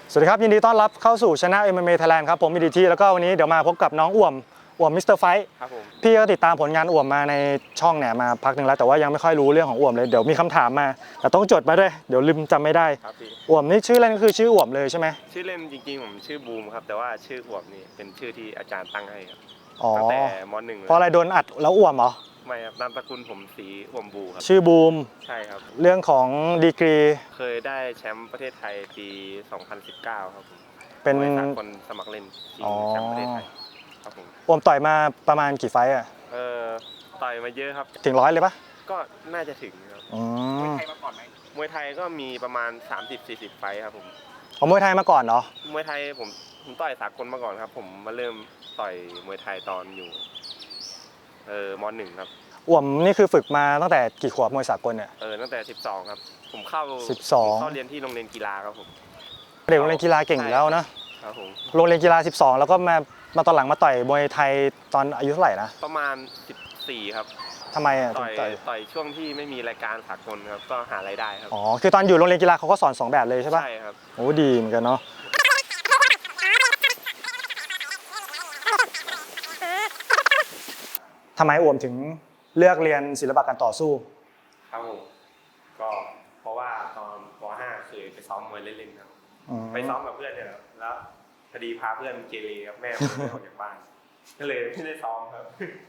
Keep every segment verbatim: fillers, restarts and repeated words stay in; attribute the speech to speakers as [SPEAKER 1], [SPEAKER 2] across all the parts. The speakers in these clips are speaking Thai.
[SPEAKER 1] สวัสดีครับยินดีต้อนรับเข้าสู่ช anel เอ็ม เอ็ม เอ Thailand ครับผมมีดีทีแล้วก็วันนี้เดี๋ยวมาพบกับน้องอ่วมอ่วมมิสเตอร์ไฟท์
[SPEAKER 2] ครับผม
[SPEAKER 1] พี่ก็ติดตามผลงานอ่วมมาในช่องเนี่ยมาพักหนึ่งแล้วแต่ว่ายังไม่ค่อยรู้เรื่องของอ่วมเลยเดี๋ยวมีคำถามมาแต่ต้องจดมาด้วยเดี๋ยวลืมจำไม่ได้
[SPEAKER 2] ครับพี่
[SPEAKER 1] อ่วมนี่ชื่อเล่นก็คือชื่ออ่วมเลยใช่ไหม
[SPEAKER 2] ชื่อเล่นจริงๆผมชื่อบูมครับแต่ว่าชื่ออวบนี่เป็นชื่อที่อาจารย์ตั้งให้ครับ
[SPEAKER 1] อ๋อ
[SPEAKER 2] ตั้งแต่มหนึ่ง
[SPEAKER 1] เพราะอะไรโดนอัดแล้วอ่วมเหรอ
[SPEAKER 2] ไม่ครับนามสกุลผมสีอวมบูครับ
[SPEAKER 1] ชื่อบูม
[SPEAKER 2] ใช่ครับ
[SPEAKER 1] เรื่องของดีกรี
[SPEAKER 2] เคยได้แชมป์ประเทศไทยปีสองพันสิบเก้าครับผม
[SPEAKER 1] เป็น
[SPEAKER 2] สากลสมัครเล่นชิงแชมป์ประเทศไทยครับผม
[SPEAKER 1] อ่วมต่อยมาประมาณกี่ไฟต์อะ
[SPEAKER 2] เออต่อยมาเยอะครับ
[SPEAKER 1] ถึงร้อยเลยปะ
[SPEAKER 2] ก็น่าจะถึงครับ
[SPEAKER 1] อื
[SPEAKER 2] มวย
[SPEAKER 1] ม
[SPEAKER 2] ไทยมาก่อนไหมมวยไทยก็มีประมาณ สามสิบสี่สิบ ไฟท์ครับผม
[SPEAKER 1] ของมวยไทยมาก่อนเหรอ
[SPEAKER 2] มวยไทยผมผมต่อยสากลมาก่อนครับผมมาเริ่มต่อยมวยไทยตอนอยู่เออมหนึ่งครับ
[SPEAKER 1] อ่วมนี่คือฝึกมาตั้งแต่กี่ขวบมวยสากลเนี่ย
[SPEAKER 2] เออตั้งแต่สิบสองครับผมเข้า
[SPEAKER 1] สิบสอง
[SPEAKER 2] เข้าเรียนที่โรงเรียนกีฬาครับผม
[SPEAKER 1] เด็กโรงเรียนกีฬาเก่งอยู่แล้วนะครับ
[SPEAKER 2] ผม
[SPEAKER 1] โรงเรียนกีฬาสิบสองแล้วก็มามาตอนหลังมาต่อยมวยไทยตอนอายุเท่าไหร่นะ
[SPEAKER 2] ประมาณสิบสี่ครับ
[SPEAKER 1] ทำไมอ่ะ
[SPEAKER 2] ต่อยต่อยช่วงที่ไม่มีรายการสากลครับก็หารายได้ครับ
[SPEAKER 1] อ๋อคือตอนอยู่โรงเรียนกีฬาเขาก็สอนสองแบบเลยใช่ปะ
[SPEAKER 2] ใช่ครับ
[SPEAKER 1] โอ้ดีเหมือนกันเนาะทำไมอ่วมถึงเลือกเรียนศิลปะการต่อสู้
[SPEAKER 2] ครับผมก็เพราะว่าตอนป .ห้า เคยไปซ้อมมวยเล่นๆครับไปซ้อมกับเพื่อนเนี่ยแล้วพอดีพาเพื่อนเกเรครับแม่ไม่ออกจากบ้านก็เลยไม่ได้ซ้อมครับ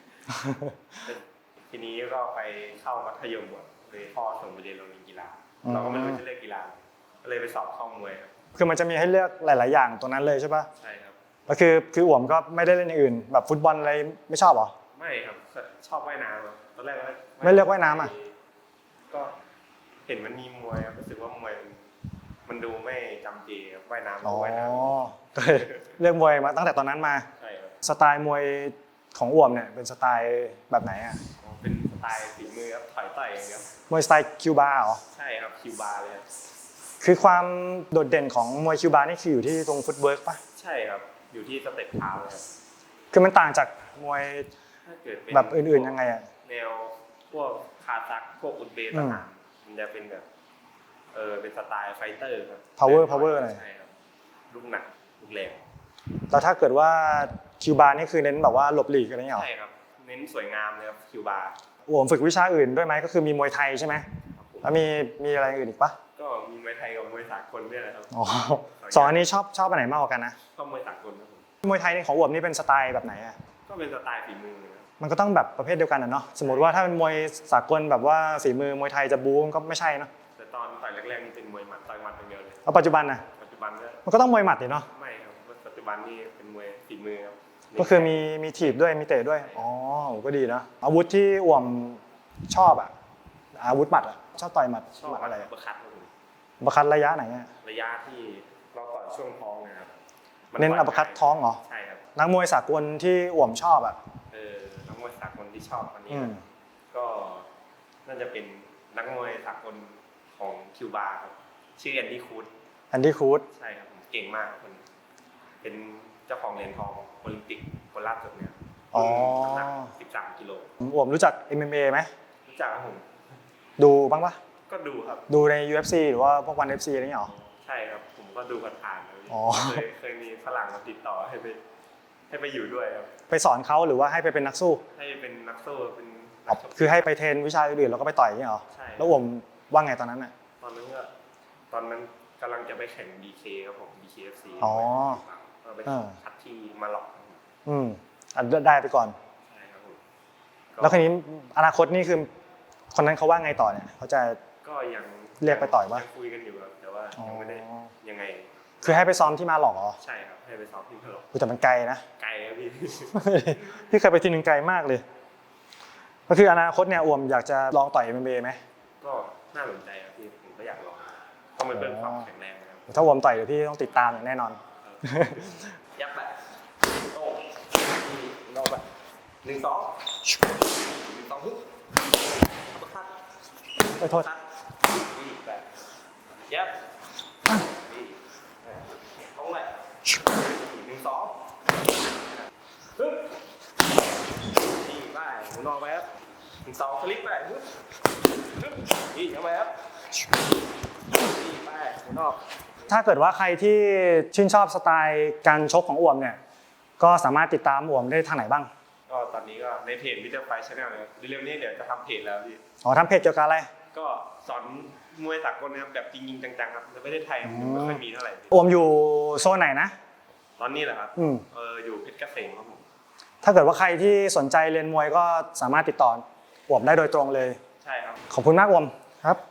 [SPEAKER 2] ทีนี้ก็ไปเข้ามัธยมก่อนเลยพ่อส่งไปเรียนโรงเรียนกีฬาเราก็ไม่รู้จะเลือกกีฬาก็เลยไปสอบเข้ามวยครับ
[SPEAKER 1] คือมันจะมีให้เลือกหลายๆอย่างตรงนั้นเลยใช่ปะ
[SPEAKER 2] ใช่ครับ
[SPEAKER 1] ก็คือคืออ่วมก็ไม่ได้เล่นอย่างอื่นแบบฟุตบอลอะไรไม่ชอบเหรอ
[SPEAKER 2] ไม่ครับชอบว่ายน้ำตอนแรก
[SPEAKER 1] ไม่เลือกว่ายน้ำอ่ะ
[SPEAKER 2] ก็เห็นมันมีมวยครับรู้สึกว่ามวยมันดูไม่จำเจครับว่ายน้ำ
[SPEAKER 1] อ๋อ
[SPEAKER 2] ว่ายน้
[SPEAKER 1] ำก็เลยเลือกมวยมาตั้งแต่ตอนนั้นมา
[SPEAKER 2] ใช่ครับ
[SPEAKER 1] สไตล์มวยของอ่วมเนี่ยเป็นสไตล์แบบไหนอ่ะ
[SPEAKER 2] เป็นสไตล์ฝีมือครับถอยต่อยอย่างเดียว
[SPEAKER 1] มวยสไตล์คิวบาเหรอ
[SPEAKER 2] ใช่ครับคิวบาเลย
[SPEAKER 1] คือความโดดเด่นของมวยคิวบานี่คืออยู่ที่ตรงฟุตเวิร์กป่ะ
[SPEAKER 2] ใช่ครับอยู่ที่สเต็ปเท้าเลยครับ
[SPEAKER 1] คือมันต่างจากมวยแบบอื่นๆยังไงอ่ะ
[SPEAKER 2] แนวพวกคาซัคพวกอุซเบย์ต่างๆมันจะเป็นแบบเออเป็นสไตล์ไฟเตอร์ครับ
[SPEAKER 1] power power อะไร
[SPEAKER 2] ใช่ครับลูกหนักลูกแรง
[SPEAKER 1] แล้วถ้าเกิดว่าคิวบานี่คือเน้นแบบว่าหลบหลีกอะไรเงี้ยหรอ
[SPEAKER 2] ใช่ครับเน้นสวยงามเลยครับคิวบา
[SPEAKER 1] อ่วมฝึกวิชาอื่นด้วยไหมก็คือมีมวยไทยใช่ไหมแล้วมีมีอะไรอื่นอีกปะ
[SPEAKER 2] ก็มีมวยไทยกับมวยสากลด้วยนะครับ
[SPEAKER 1] อ๋อสองอันนี้ชอบชอบอันไหนมากกว่ากันนะ
[SPEAKER 2] ชอบมวยสากลครับผม
[SPEAKER 1] มวยไทยนี่ของอ่วมนี่เป็นสไตล์แบบไหนอ่ะ
[SPEAKER 2] ก็เป็นสไตล์ฝีมือ
[SPEAKER 1] มันก็ต้องแบบประเภทเดียวกันนะเนาะสมมติว่าถ้าเป็นมวยสากลแบบว่าฝีมือมวยไทยจะบู๊ก็ไม่ใช่เนาะ
[SPEAKER 2] แต่ตอนต่อยแรกๆนี่เป็นมวยหมัดต่อยหมัดอย่างเดียวเลย
[SPEAKER 1] แล้วปัจจุบันนะ
[SPEAKER 2] ปัจจุบันก็
[SPEAKER 1] มันก็ต้องมวยหมัดดิเนาะ
[SPEAKER 2] ไม่ครับปัจจุบันนี่เป็นมวยฝีมือครับ
[SPEAKER 1] ก็คือมีมีถีบด้วยมีเตะด้วยอ๋อก็ดีนะอาวุธที่อ่วมชอบอ่ะอาวุธหมัดอ่ะชอบต่อยหมัด
[SPEAKER 2] ชอบ
[SPEAKER 1] อะไร
[SPEAKER 2] บัคคัต
[SPEAKER 1] บัคคัตระยะไหนอ่ะ
[SPEAKER 2] ระยะที่เราต่อยช่วงท้องนะครับ
[SPEAKER 1] เน้นอัปคัตท้องเหรอ
[SPEAKER 2] ใช่ครับ
[SPEAKER 1] นักมวยสากลที่อ่วมชอบอ่ะ
[SPEAKER 2] เออนักมวยสากลที่ชอบวันนี้ก็น่าจะเป็นนักมวยสากลของคิวบาครับชื่อแอนดี้คูด
[SPEAKER 1] แอนดี้คูด
[SPEAKER 2] ใช่ครับผมเก่งมากคนเป็นเจ้าของเหรียญทองโอลิมปิกคนล่าสุดเนี่ย
[SPEAKER 1] อ๋อ
[SPEAKER 2] น้ำหนักสิบสามกิโล
[SPEAKER 1] อ่วมรู้จัก เอ็ม เอ็ม เอ ไหม
[SPEAKER 2] รู้จักครับผม
[SPEAKER 1] ดูบ้างปะ
[SPEAKER 2] ก็ดูครับ
[SPEAKER 1] ดูใน ยู เอฟ ซี หรือว่าพวกวัน เอฟ ซี อะไรเงี้ยหรอ
[SPEAKER 2] ใช่ครับผมก็ดูผ่านๆเคยเคยมีฝรั่งมาติดต่อให้ไปให้ไปอยู่ด้วยครับ
[SPEAKER 1] ไปสอนเขาหรือว่าให้ไปเป็นนักสู้
[SPEAKER 2] ให้เป็นนักสู้เป็น
[SPEAKER 1] คือให้ไปเทรนวิชาอื่นแล้วก็ไปต่อยอย่างเงี้ยหรอ
[SPEAKER 2] ใช่
[SPEAKER 1] แล้วอ่วมว่าไงตอนนั้นอ่ะ
[SPEAKER 2] ตอนนั้นก็ตอนนั้นกำลังจะไปแข่ง บี เค ครับผม บี เค เอฟ ซี
[SPEAKER 1] อ๋อ
[SPEAKER 2] ไปคัดที่มาหลอก
[SPEAKER 1] อืมอันได้ไปก่อน
[SPEAKER 2] ใช่ครับผม
[SPEAKER 1] แล้วคราวนี้อนาคตนี่คือคนนั้นเขาว่าไงต่อเนี่ยเขาจะ
[SPEAKER 2] ก็ยัง
[SPEAKER 1] เรียกไปต่อยป่ะ
[SPEAKER 2] คุยกันอยู่ครับแต่ว่ายังไม่ได้ยังไง
[SPEAKER 1] คือให้ไปซ้อมที่มาหลอกเหรอ
[SPEAKER 2] ใช่ครับให้ไปซ้อมที่มาหลอก
[SPEAKER 1] แต่มันไกลนะ
[SPEAKER 2] ไกลครับพี่
[SPEAKER 1] พี่เคยไปทีนึงไกลมากเลยก็คืออนาคตเนี่ยอ่วมอยากจะลองต่อย เอ็ม เอ็ม เอ ไหม
[SPEAKER 2] ก็น่าสนใจครับพี่ผมก็อยากลองต้องเป็นเพื่อนความแข็งแรงนะครับ
[SPEAKER 1] ถ้าอ่วมต่อยเดี๋ยวพี่ต้องติดตามอย่างแน่นอน
[SPEAKER 2] ยับไปโอ้รอบแบบหนึ่งสองหนึ่งสองฮึบ
[SPEAKER 1] ไปโทษ
[SPEAKER 2] แบบยับท้องเลยหนึ่งสองฮึบนี่ไปหมุนออกไปครับหนึ่งสองสลิปไปฮึบฮึบนี่เข้าไปครับนี่ไปหมุนออก
[SPEAKER 1] ถ้าเกิดว่าใครที่ชื่นชอบสไตล์การชกของอ่วมเนี่ยก็สามารถติดตามอ่วมได้ทางไหนบ้าง
[SPEAKER 2] ก็ตอนนี้ก็ในเพจมิสเตอร์ไฟท์ชาแนลเลยเร็วๆนี้เดี๋ยวจะทำเพจแล้วพี่
[SPEAKER 1] อ๋อทำเพจเกี่ยวกับอะไร
[SPEAKER 2] ก็สอนมวยสากลนะครับแบบจริงๆจังๆครับในประเทศไทยมันไม่ค่อยมีเท่าไหร่
[SPEAKER 1] อ่วมอยู่โซนไหนนะ
[SPEAKER 2] ตอนนี้แหละครับ
[SPEAKER 1] อืม
[SPEAKER 2] เอออยู่เพชรเกษมครับผม
[SPEAKER 1] ถ้าเกิดว่าใครที่สนใจเรียนมวยก็สามารถติดต่ออ่วมได้โดยตรงเลย
[SPEAKER 2] ใช่ครับ
[SPEAKER 1] ขอบคุณมากอ่วมครับ